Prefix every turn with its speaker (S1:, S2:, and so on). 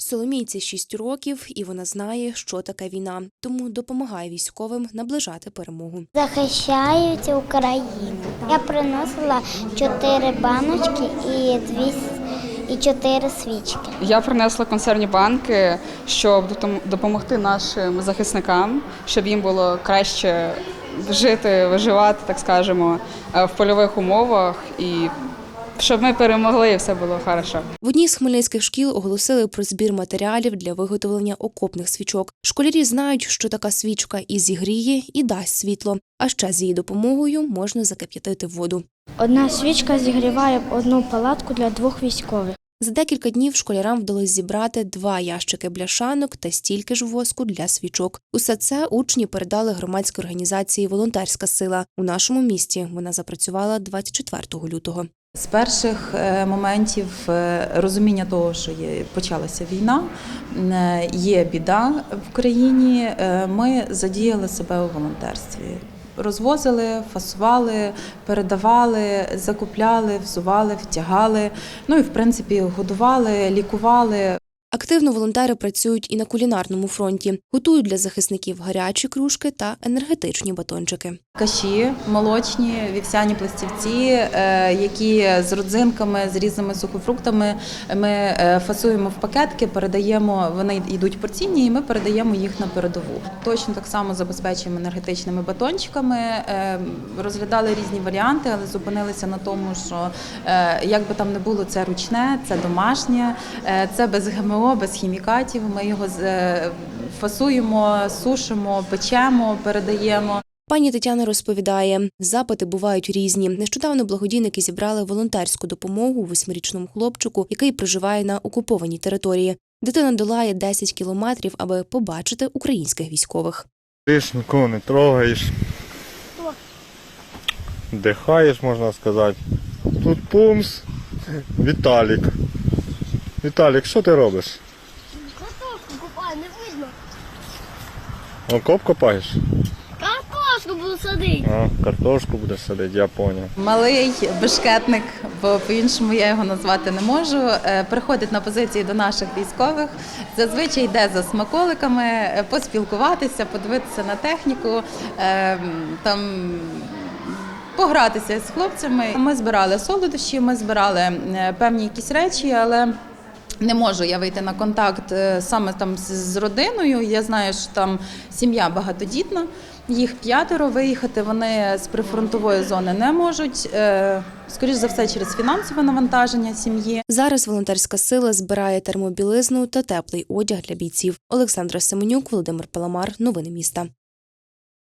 S1: Соломійці 6 років, і вона знає, що таке війна, тому допомагає військовим наближати перемогу.
S2: Захищають Україну. Я приносила 4 баночки і 4 свічки.
S3: Я принесла консервні банки, щоб допомогти нашим захисникам, щоб їм було краще жити, виживати, так скажемо, в польових умовах і щоб ми перемогли і все було добре.
S1: В одній з хмельницьких шкіл оголосили про збір матеріалів для виготовлення окопних свічок. Школярі знають, що така свічка і зігріє, і дасть світло. А ще з її допомогою можна закип'ятити воду.
S4: Одна свічка зігріває одну палатку для 2 військових.
S1: За декілька днів школярам вдалося зібрати 2 ящики бляшанок та стільки ж воску для свічок. Усе це учні передали громадській організації «Волонтерська сила». У нашому місті вона запрацювала 24 лютого.
S5: З перших моментів розуміння того, що почалася війна, є біда в країні, ми задіяли себе у волонтерстві. Розвозили, фасували, передавали, закупляли, взували, втягали, ну і в принципі годували, лікували.
S1: Активно волонтери працюють і на кулінарному фронті. Готують для захисників гарячі кружки та енергетичні батончики.
S5: Каші молочні, вівсяні пластівці, які з родзинками, з різними сухофруктами ми фасуємо в пакетки, передаємо, вони йдуть порційні і ми передаємо їх на передову. Точно так само забезпечуємо енергетичними батончиками, розглядали різні варіанти, але зупинилися на тому, що як би там не було, це ручне, це домашнє, це без ГМО, без хімікатів. Ми його фасуємо, сушимо, печемо, передаємо.
S1: Пані Тетяна розповідає, запити бувають різні. Нещодавно благодійники зібрали волонтерську допомогу 8-річному хлопчику, який проживає на окупованій території. Дитина долає 10 кілометрів, аби побачити українських військових.
S6: Ти ж нікого не трогаєш, дихаєш, можна сказати. Тут пумс, Віталік. Віталік, що ти робиш?
S2: Картошку копаю, не видно.
S6: Окоп копаєш?
S2: Картошку буду садити.
S6: А, картошку будеш садити, я зрозумів.
S5: Малий бешкетник, бо по-іншому я його назвати не можу, приходить на позиції до наших військових, зазвичай йде за смаколиками, поспілкуватися, подивитися на техніку, там погратися з хлопцями. Ми збирали солодощі, ми збирали певні якісь речі, але не можу я вийти на контакт саме там з родиною. Я знаю, що там сім'я багатодітна, їх 5, виїхати вони з прифронтової зони не можуть. Скоріш за все, через фінансове навантаження сім'ї.
S1: Зараз волонтерська сила збирає термобілизну та теплий одяг для бійців. Олександра Семенюк, Володимир Паламар. Новини міста.